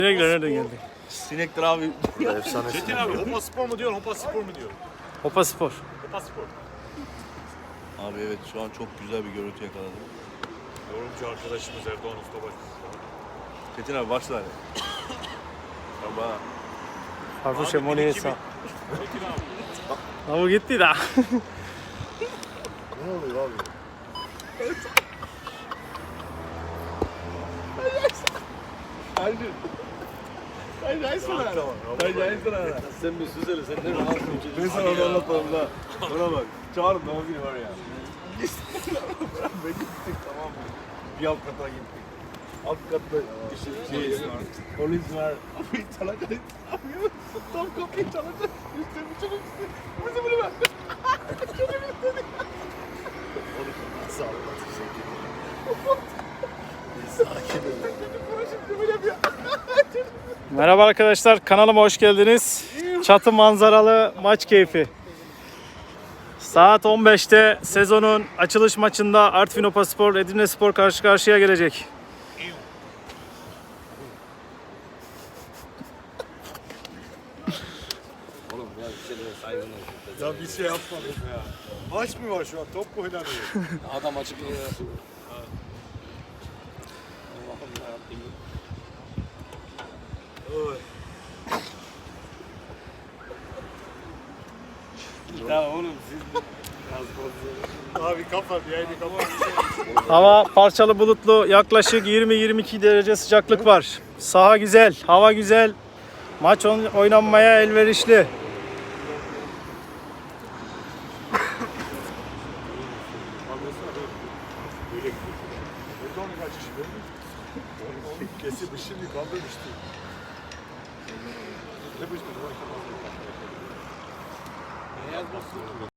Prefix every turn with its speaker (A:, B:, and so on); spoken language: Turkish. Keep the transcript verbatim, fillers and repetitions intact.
A: Sinekler nereden geldi?
B: Sinektir abi.
C: Efsane
D: Çetin abi Hopa Spor mu diyor, Hopa Spor mu diyor?
A: Hopa Spor.
D: Hopa Spor.
B: Abi evet şu an çok güzel bir görüntü yakaladım.
D: Yorumcu arkadaşımız Erdoğan Ustabaş.
B: Çetin abi başla hadi. Baba.
A: Farfuşa
D: Abi,
A: Moni'ye
D: bir iki
A: sağ.
D: Çetin abi.
A: Ama gitti daha.
C: Ne oluyor abi?
B: Sen bir süzeli sen ne rahat
C: Ben sana onu anlatmadım da. Bana bak. Çağırın doğum günü var ya. Ben gittik tamam mı? Bir alt kata gittik. Alt katta şey, polis var. Abi çalacak. Abi tam kapıyı çalacak. Üstüne bir çocuk üstüne. Bizi bunu ver. Çocuk üstüne. Sağ ol. Sakin ol. Şimdi böyle bir
A: Merhaba arkadaşlar, kanalıma hoş geldiniz. Çatı manzaralı maç keyfi. Saat on beşte sezonun açılış maçında Artvin Hopa Spor, Edirne Spor karşı karşıya gelecek.
C: Ya bir şey yapmadım ya. Maç mı var şu an? Top mu oynanıyor?
B: Adam açıklıyor.
C: Ya oğlum siz biraz bozuyorsunuz. Abi kapat yayını kapat.
A: Hava parçalı bulutlu, yaklaşık yirmi yirmi iki derece sıcaklık var. Saha güzel, hava güzel. Maç oynanmaya elverişli.
C: Burada onu kaç kişi görmüyor musun? Kesilmiş şimdi kaldırmıştı. Ne bu işte? Ne yazmasın?